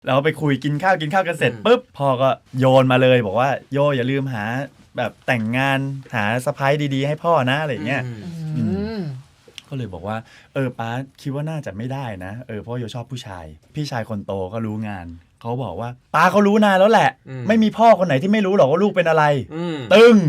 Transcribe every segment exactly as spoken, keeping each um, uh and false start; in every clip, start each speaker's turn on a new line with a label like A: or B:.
A: เราไปคุยกินข้าวกินข้าวกันเสร็จปุ๊บพ่อก็โยนมาเลยบอกว่าโยอย่าลืมหาแบบแต่งงานหาสะพ้ายดีๆให้พ่อนะอะไรเงี้ยก็เลยบอกว่าเออป้าคิดว่าน่าจะไม่ได้นะเออเพราะโยชอบผู้ชายพี่ชายคนโตก็รู้งานเขาบอกว่าป้าเขารู้นานแล้วแหละไม่มีพ่อคนไหนที่ไม่รู้หรอกว่าลูกเป็นอะไรตึ้ง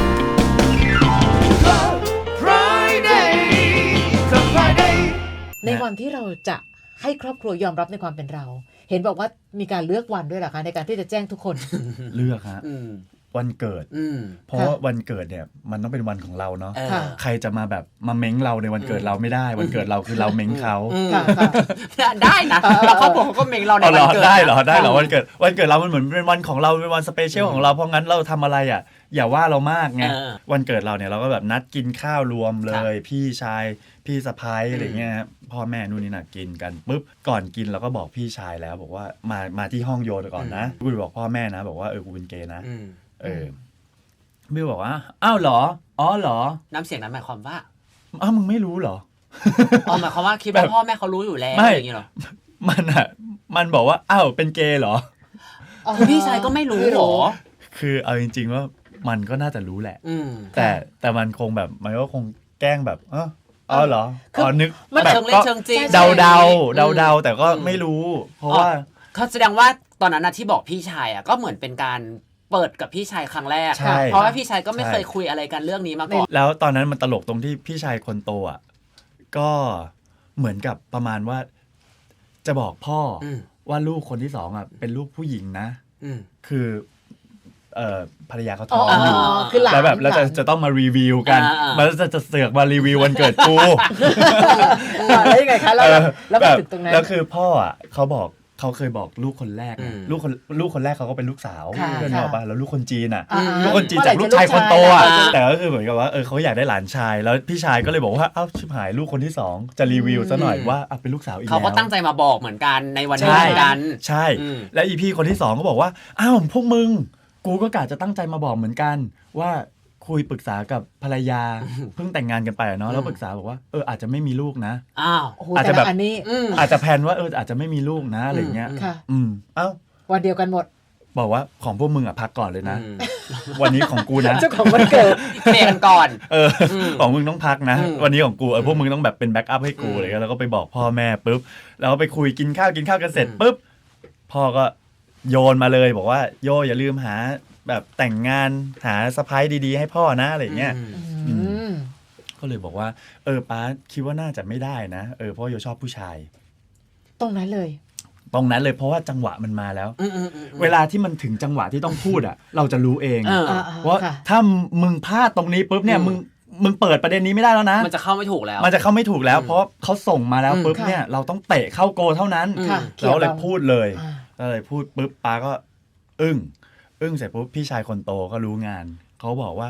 B: ในวันที่เราจะให้ครอบครัวยอมรับในความเป็นเราเห็นบอกว่ามีการเลือกวันด้วยเหรอคะในการที่จะแจ้งทุกคน
A: เลือกฮะวันเกิดเพราะว่าวันเกิดเนี่ยมันต้องเป็นวันของเราเนาะใครจะมาแบบมาเม้งเราในวันเกิดเราไม่ได้วันเกิดเราคือเราเม้งเขา
C: ได้นะแล้วเขาบอกเขาก็เม้งเราในวันเกิด
A: ได้เหรอได้เหรอวันเกิดวันเกิดเรามันเหมือนเป็นวันของเราเป็นวันสเปเชียลของเราเพราะงั้นเราทำอะไรอ่ะอย่าว่าเรามากไงวันเกิดเราเนี่ยเราก็แบบนัดกินข้าวรวมเลยพี่ชายพี่สะพ้ายอะไรเงี้ยพ่อแม่นู่นนี่น่ะกินกันปุ๊บก่อนกินเราก็บอกพี่ชายแล้วบอกว่ามามาที่ห้องโยนก่อนนะกูบอกพ่อแม่นะบอกว่าเออกูเป็นเกย์นะเออบิวบอกว่าอ้าวเหรออ๋อเหรอ
C: น้ำเสียงนั้นหมายความว่า
A: อ้าวมึงไม่รู้เหรอ
C: อ๋อหมายความว่าคิดว่าพ่อแม่เขารู้อยู่แล้วอย่างนี้เหรอ
A: มันอ่ะมันบอกว่าอ้าวเป็นเกย์เหรอ
C: คือพี่ชายก็ไม่รู้หรอ
A: คือเอาจริงๆว่ามันก็น่าจะรู้แหละแต่แต่มันคงแบบมันก็คงแกล้งแบบเอออ๋อเหรออ๋อนึก
C: แบบก็
A: เดาเดาเดาเดาแต่ก็ไม่รู้เพราะว่า
C: เขาแสดงว่าตอนนั้นนะที่บอกพี่ชายอ่ะก็เหมือนเป็นการเปิดกับพี่ชายครั้งแรกเพราะว่าพี่ชายก็ไม่เคยคุยอะไรกันเรื่องนี้มาก่อน
A: แล้วตอนนั้นมันตลกตรงที่พี่ชายคนโตอ่ะก็เหมือนกับประมาณว่าจะบอกพ่อว่าลูกคนที่สองอ่ะเป็นลูกผู้หญิงนะคือเอ่อภรรยาเขาท้องอยู่แล้วแบบแล้วจะจะต้องมารีวิวกันมันจะจะเสือกมารีวิววันเกิดกู
B: แล้วยังไงคะแล้วแล้วถึงตรงนั้น
A: แล้วคือพ่ออ่ะเขาบอกเขาเคยบอกลูกคนแรกลูกคนลูกคนแรกเขาก็เป็นลูกสาวเพื่อนบอกป่ะแล้วลูกคนจีนอ่ะลูกคนจีนจากลูกชายคนโตอ่ะแต่ก็คือเหมือนกับว่าเออเขาอยากได้หลานชายแล้วพี่ชายก็เลยบอกว่าเอ้าชิบหายลูกคนที่สองจะรีวิวซะหน่อยว่าอ่ะเป็นลูกสาวอีกแล้ว
C: เขาก็ตั้งใจมาบอกเหมือนกันในวันนี้เหมือนกัน
A: ใช่แล้วอีพี่คนที่สองก็บอกว่าอ้าวพวกมึงกูก็กะจะตั้งใจมาบอกเหมือนกันว่าคุยปรึกษากับภรรยาเพิ่งแต่งงานกันไปเนาะแล้วปรึกษาบอกว่าเอออาจจะไม่มีลูกนะ
B: อ้าว
A: อาจจะแบบอาจจะแพลนว่าเอออาจจะไม่มีลูกนะอะไรเงี้ยอืมเอ้า
B: วันเดียวกันหมด
A: บอกว่าของพวกมึงอ่ะพักก่อนเลยนะวันนี้ของกูนะ
B: เจ้าของวันเกิด
C: เคลียร์กันก่อน
A: เออของมึงต้องพักนะวันนี้ของกูเออพวกมึงต้องแบบเป็นแบ็กอัพให้กูอะไรเงี้ยแล้วก็ไปบอกพ่อแม่ปุ๊บแล้วไปคุยกินข้าวกินข้าวกันเสร็จปุ๊บพ่อก็โยนมาเลยบอกว่าโยอย่าลืมหาแบบแต่งงานหาสะพ้ายดีๆให้พ่อนะอะไรเงี้ยก็เลยบอกว่าเออป้าคิดว่าน่าจะไม่ได้นะเออเพราะโยชอบผู้ชาย
B: ตรงนั้นเลย
A: ตรงนั้นเลยเพราะว่าจังหวะมันมาแล้วเวลาที่มันถึงจังหวะที่ต้องพูดอ่ะเราจะรู้เองว่าถ้ามึงพลาดตรงนี้ปุ๊บเนี่ยมึงมึงเปิดประเด็นนี้ไม่ได้แล้วนะ
C: มันจะเข้าไม่ถูกแล้ว
A: มันจะเข้าไม่ถูกแล้วเพราะเขาส่งมาแล้วปุ๊บเนี่ยเราต้องเตะเข้าโกเท่านั้นเราเลยพูดเลยเราเลยพูดปุ๊บป้าก็อึ้งอึ้งเสร็จปุ๊บพี่ชายคนโตก็รู้งานเขาบอกว่า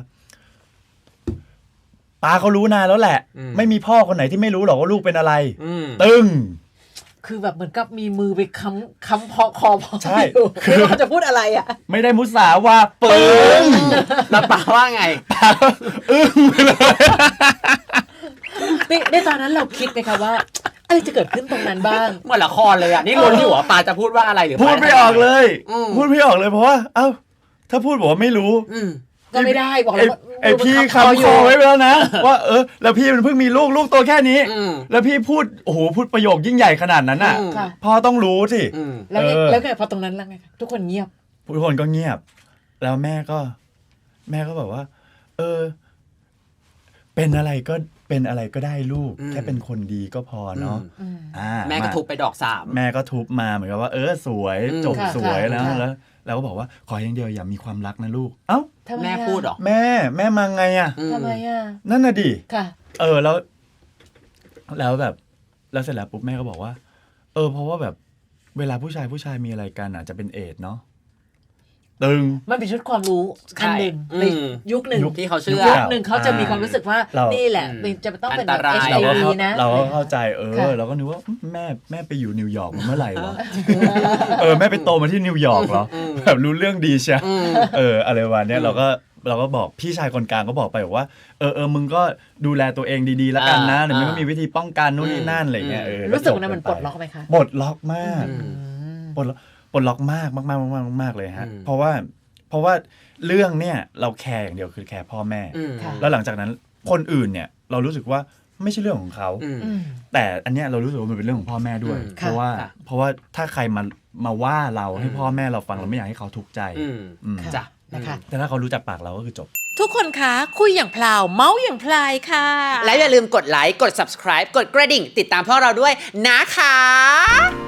A: ป้าเขารู้นานแล้วแหละไม่มีพ่อคนไหนที่ไม่รู้หรอกว่าลูกเป็นอะไรตึ้ง
B: คือแบบเหมือนกับมีมือไปค้ำค้ำพอคอพอ
A: ใช่
B: คือเขาจะพูดอะไรอ่ะ
A: ไม่ได้มุสาว่าปึ้ง
C: แล้วป้าว่าไง
A: ป้าอึ้งไปเลย
B: ในตอนนั้นเราคิดไหมคะว่าเอ้ยจะเกิดขึ้นตรงนั้นบ้าง
C: เหมือนละครเลยอ่ะนี่ลุ้นอยู่ว่าป้าจะพูดว่าอะไรหรือ
A: พูดไม่ออกเลยพูดไม่ออกเลยเพราะว่าเอ้าถ้าพูดบอกว่าไม่รู้
B: ก็ไม่ได้บอกแล้ว
A: ไอพี่คำคอไว้แล้วนะว่าเออแล้วพี่มันเพิ่งมีลูกลูกตัวแค่นี้แล้วพี่พูดโอ้โหพูดประโยคยิ่งใหญ่ขนาดนั้นอ่ะพ่อต้องรู้สิ
B: แล้วแล้วไงพอตรงนั้นแล้วไงทุกคนเงียบ
A: ทุกคนก็เงียบแล้วแม่ก็แม่ก็แบบว่าเออเป็นอะไรก็เป็นอะไรก็ได้ลูกแค่เป็นคนดีก็พอเนาะ
C: แม่ก็ทุบไปดอกสาม
A: แม่ก็ทุบมาเหมือนกับว่าเออสวยจบสวยแล้วแล้วแล้วก็บอกว่าขออย่างเดียวอย่ามีความรักนะลูกเอ้า
C: แม่พูดหรอ
A: แม่แม่มาไงอ่ะ
B: ทำไมอ่ะ
A: นั่นน่ะดิ
B: ค่ะ
A: เออแล้วแล้วแบบแล้วเสร็จแล้วปุ๊บแม่ก็บอกว่าเออเพราะว่าแบบเวลาผู้ชายผู้ชายมีอะไรกันอ่ะจะเป็นเอดส์เนาะตึง
B: มันเป็นชุดความรู้อันหนึ่งในยุคหนึ่ง
C: ที่เขาเชื่อ
B: ยุคหนึ่งเขาจะมีความรู้สึกว่านี่แหละจะต้องเป็นแบบ เอช ไอ วี นะ
A: เราก็เข้าใจเออเราก็นึกว่าแม่แม่ไปอยู่นิวยอร์กเมื่อไหร่วะเออแม่ไปโตมาที่นิวยอร์กเหรอแบบรู้เรื่องดีใช่เอออะไรวะเนี้ยเราก็เราก็บอกพี่ชายคนกลางก็บอกไปบอกว่าเออเออมึงก็ดูแลตัวเองดีๆแล้วกันนะเดี๋ยวมันก็มีวิธีป้องกันนู่นนี่นั่นอะไรเงี้ยเออ
B: รู้สึกว่ามันปลดล็อกไหมคะ
A: ปลดล็อกมากปลดล็อกปลดล็อกมากมากมากมากมากเลยฮะเพราะว่าเพราะว่าเรื่องเนี่ยเราแคร์อย่างเดียวคือแคร์พ่อแม่แล้วหลังจากนั้นคนอื่นเนี่ยเรารู้สึกว่าไม่ใช่เรื่องของเขาแต่อันเนี้ยเรารู้สึกว่ามันเป็นเรื่องของพ่อแม่ด้วยเพราะว่าเพราะว่าถ้าใครมามาว่าเราให้พ่อแม่เราฟังเราไม่อยากให้เขาทุกข์ใจ
C: จ้ะ
B: นะคะ
A: แต่ถ้าเขารู้จักปากเราก็คือจบ
B: ทุกคนคะคุยอย่างพลาวเมาส์อย่างพลายค่ะ
C: และอย่าลืมกดไลค์กด subscribe กดกระดิ่งติดตามพวกเราด้วยนะคะ